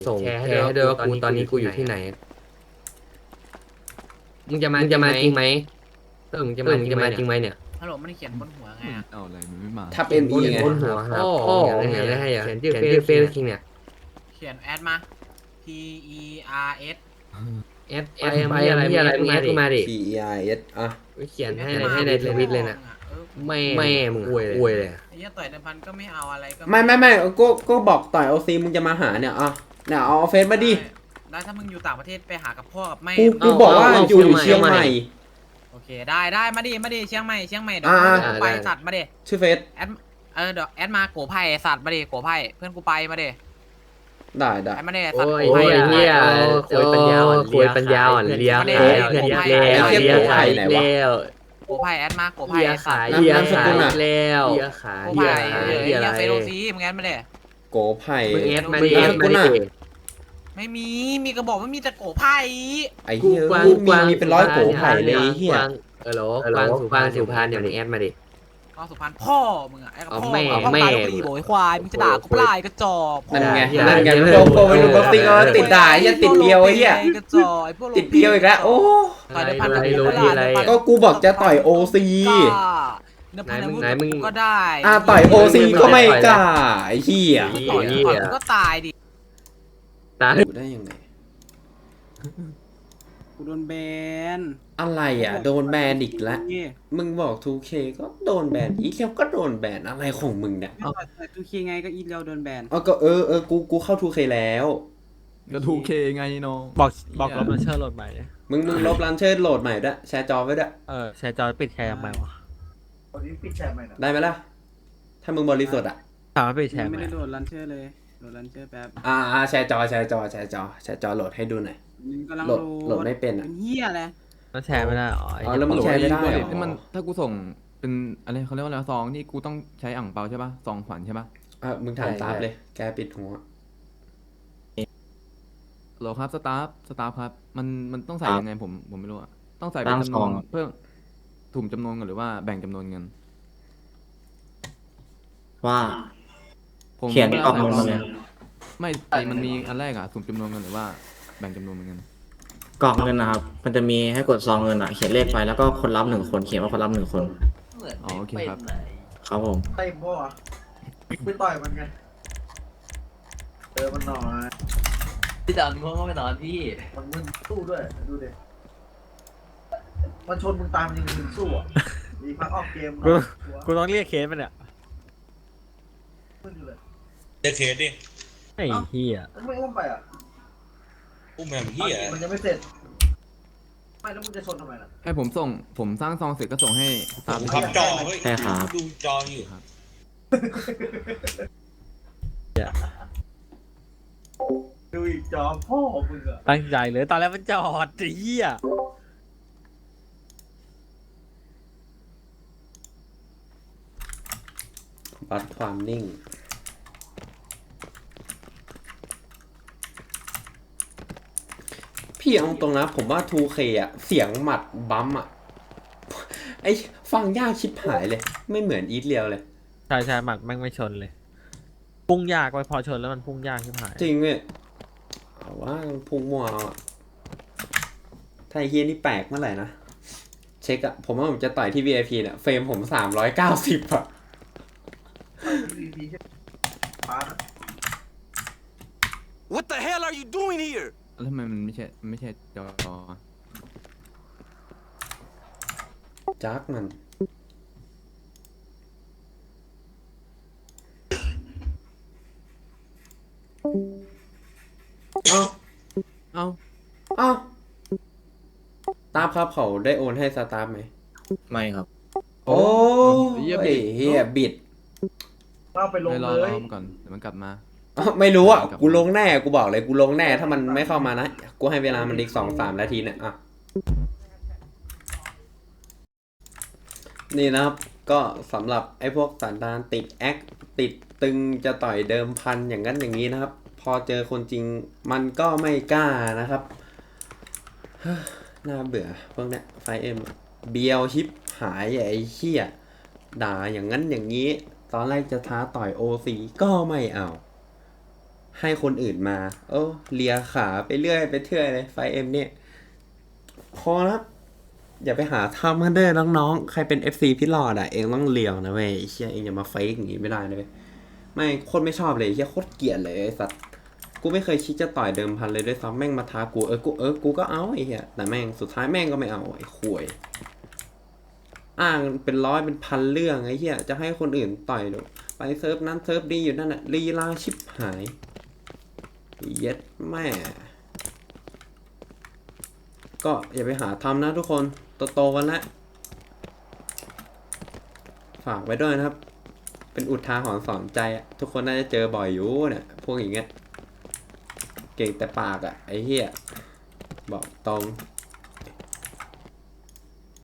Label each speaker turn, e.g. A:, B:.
A: ส่งแชร์ให้ด้วยว่ากูตอนนี้กูอยู่ที่ไหนมึงจะมาจริงไหมมึงจะมาจริงไหมเนี่ย
B: ฮัลโหลมันเขียนบนหัวไงอะ
C: เอาอะไรมันไม่มา
D: ทับเอ็มอีไง
A: บนหัวหาพ่ออย่างไรให้เขียนชื่อเฟซคิงเนี่ย
B: เขียนแอดมา P E R S
A: ไปอะไรมึงแอดมาดิ
D: PEIS อ่ะ
A: เขียนให้ในทวิตเลยนะไม่มึงอวยเลย
B: ไอ้เหี้ยต่อยเดิมพันก็ไม่เอาอะไรก็
D: ไม่ก็บอกต่อยโอซีมึงจะมาหาเนี่ยอ่ะเนี่ยเอาเฟซมาดิ
B: ได้ถ้ามึงอยู่ต่างประเทศไปหากับพ่อกับแม่
D: กูบอกว่าอยู่เชียงใหม่
B: โอเคได้มาดิเชียงใหม่เดี๋ยว
D: อ่า
B: เพื่อนกูไปสัตว์มาดิ
D: ชื่อเฟซ
B: แอดเดี๋ยวแอดมาโกไผ่สัตว์มาดิโกไผ่เพื่อนกูไปมาดิ
D: ได้
B: แอดมาดิสัตว์
A: โอ้ยเฮียคุยปัญญาอ่อนเลี้ยงเลี้ย
B: โกไผ่แอดมาโกไผ่
A: ขาย
B: สัตว์
A: แล้ว
B: โกไผ่เหี้ยเฟโรซีมึงแอดมาดิ
D: โกไผ่
A: มึงแอดมาดิ
B: ไม่มีกระบอกไม่มีแต่โกไผ่
D: ไอ้เหี้ยมีเป็นร้อยโกไผ่เลยเฮีย
A: กวางสุพรรณเดี๋ยวนี้แอดมาดิ
B: ก็สุพรรณพ่อมึงอะไอ้กับพ่อ
A: แม่
B: พ่อตายลูกดีโบยควายมึงจะด่ากูเปล่าไอ้กระจอก
D: นั่นไงโปรไปดูบ็อกซิ่งแล้วติดด่าเฮียติดเดียวไอ้เฮีย
B: กระจอกไอ้พวก
D: ติดเดียวอีกแล้วโอ้
B: ต่อยในพัน
D: ก็กูบอกจะต่อยโอซี
B: ไหนมึงก็ได้
D: ต่อยโอซีก็ไม่กล้าไอ้เฮีย
B: ต่อยก็ตายดิ
A: ตา
D: อยู่ได้ยังไง
E: กูโดนแบน
D: อะไรอ่ะโดนแบนอีกแล้ว
E: นี่
D: มึงบอก 2K ก็โดนแบนอีกแล้วก็โดนแบนอะไรของมึงเนี่ย
E: ไม่ต่อยทูเคไงก็อีทแล้วโดนแบน
D: ก็กูเข้า 2K แล้ว
C: ก็ทูเคไงน้อง
F: บอกลบมันเชื่อโหลดใหม่ดิ
D: มึงลบลันเชอร์โหลดใหม่ด้วยแชร์จอไว้ด้วย
F: แชร์จอปิดแชร์ทำไมวะ
D: ได้ไหมล่ะ ถ้ามึงบริสุทธิ์อ่ะ
F: ถามว่าปิดแชร์ไหม
E: ไม่ได้โดดลันเชอร์เลยโดดลันเชอร์แป๊บ
D: แชร์จอแชร์จอโหลดให้ดูหน่อย
E: มึงกำลัง
D: โหลดไม่เป็นอ่ะ
E: เหี้ยเลย
F: มันแชร์ไม่ได้อ๋อ
D: แล้วมึงแชร์ไม่ได้เหรอ
C: นี่มันถ้ากูส่งเป็นอะไรเขาเรียกว่าอะไรซองนี่กูต้องใช้อ่างเปาใช่ป่ะซองขวัญใช่ป่ะ
D: มึงถามตามเลย แกปิดหัว
C: โหลครับสตาฟครับมันต้องใส่ยังไงผมไม่รู้อะต้องใส่เป็นจำนวนเพื่อถุ่มจำนวนกันหรือว่าแบ่งจำนวนเงิน
G: ว่า
C: ผม
G: เขียนออกมาเลย
C: ไม่ไอมันมีอันแรกอะสุ่มจำนวนเงินหรือว่าแบ่งจำนวนเงิน
G: กรอกเงินนะครับ มันจะมีให้กดซองเงินอ่ะ เขียนเลขไปแล้วก็คนรับ1 คน เขียนว่าคนรับ1 คน
C: อ๋อโอเคครับ
G: ครับผม
H: เต็มพ่อไม่ต่อยมันไงมันหน่อย
I: พี่ตอนมึงก็ไปนอนพี่
H: มันมึนสู้ด้วยดูดิมันชนมึงตายมันยังมึนสู้อ่ะมีพักออกเกม
F: กูต้องเรียกเคสมันเนี่ย
H: มึนอยู่เลย
J: เด็กเคสดิ
F: ไอ้เหี้ย
H: มันไม่อุ้มไปอ่ะ
J: อุ้มแมวพี่อ่ะ
H: มันยังไม่เสร็จไม่แล้วมึงจะชนทำไมล่ะ
C: ให้ผมสร้างซองเสร็จก็ส่งให้สตาฟ
J: ผมพับจอเฮ้ย
G: ใช่ครับ
J: ดูจออยู่
C: ครับ
H: ดูอีกจอพ่อมึงอ่ะ
F: ตั้งใจเลยตอนแรกมันจอดไอ้เหี้ย
D: วัดความนิ่ง พี่เอาตรงนะผมว่า 2K อ่ะ เสียงหมัดบัมอ่ะ ไอฟังยากชิบหายเลย ไม่เหมือนอีทเรียวเลย
F: ใช่หมัดแม่งไม่ชนเลย พุ่งยากไว้พอชนแล้วมันพุ่งยากใช่ไหม
D: จริงเว้ยเอาว่าพุงมัวเอาอะถ้าไอ้เฮียนี่แปลกเมื่อไหร่นะ เช็คอะผมว่าผมจะต่อยที่ VIP เนี่ยเฟรมผม390อะ
H: ปาด
J: What the hell are you doing here
C: แล้วทำไมมันไม่ใช่จอ
D: จักมันเอ้า
C: เอ้า
D: เอ้าตาฟครับเขาได้โอนให้สตาฟไหม
G: ไม่ครับ
D: โอ้
C: เหี้ย
D: ย
C: บิด
D: เฮียบิด
H: เอาไปลง
C: รอ
H: เลย
C: มันก่อนเดี๋ยวมันกลับมา
D: ไม่รู้อ่ะ กูลงแน่ กูบอกเลย กูลงแน่ ถ้ามันไม่เข้ามานะ กูให้เวลามันอีก2-3 นาทีเนี่ยอ่ะ นี่นะครับ ก็สำหรับไอ้พวกสันดานติดแอคติดตึงจะต่อยเดิมพันอย่างนั้นอย่างนี้นะครับ พอเจอคนจริงมันก็ไม่กล้านะครับ น่าเบื่อพวกเนี้ยไฟเอ็มเบียวชิปหายไอ้เหี้ยด่าอย่างนั้นอย่างนี้ ตอนแรกจะท้าต่อยโอซีก็ไม่เอาให้คนอื่นมาเลียขาไปเรื่อยไปเทื่อยเลยไฟเอ็มเนี่ยพอแล้วอย่าไปหาทำกันเด้อน้องๆใครเป็น FC พี่หลอดอ่ะเองต้องเลียวนะเว้ยไอ้เชี่ยเองอย่ามาเฟกอย่างงี้ไม่ได้นะเว้ยไม่โคตรไม่ชอบเลยไอ้เชี่ยโคตรเกลียดเลยไอ้สัตว์กูไม่เคยคิดจะต่อยเดิมพันเลยด้วยซ้ำแม่งมาท้ากูกูก็เอาไอ้เหี้ยแต่แม่งสุดท้ายแม่งก็ไม่เอาไอ้ข่วยอ้างเป็นร้อยเป็นพันเรื่องไอ้เหี้ยจะให้คนอื่นต่อยดูไปเซิร์ฟนั้นเซิร์ฟดีอยู่นั่นน่ะลีลาชิบหายเย็ดแม่ก็อย่าไปหาทำนะทุกคนโตๆกันแล้วฝากไว้ด้วยนะครับเป็นอุทาหรณ์สอนใจอะทุกคนน่าจะเจอบ่อยอยู่เนี่ยพวกอย่างเงี้ยเก่งแต่ปากอะไอ้เหี้ยบอกตรง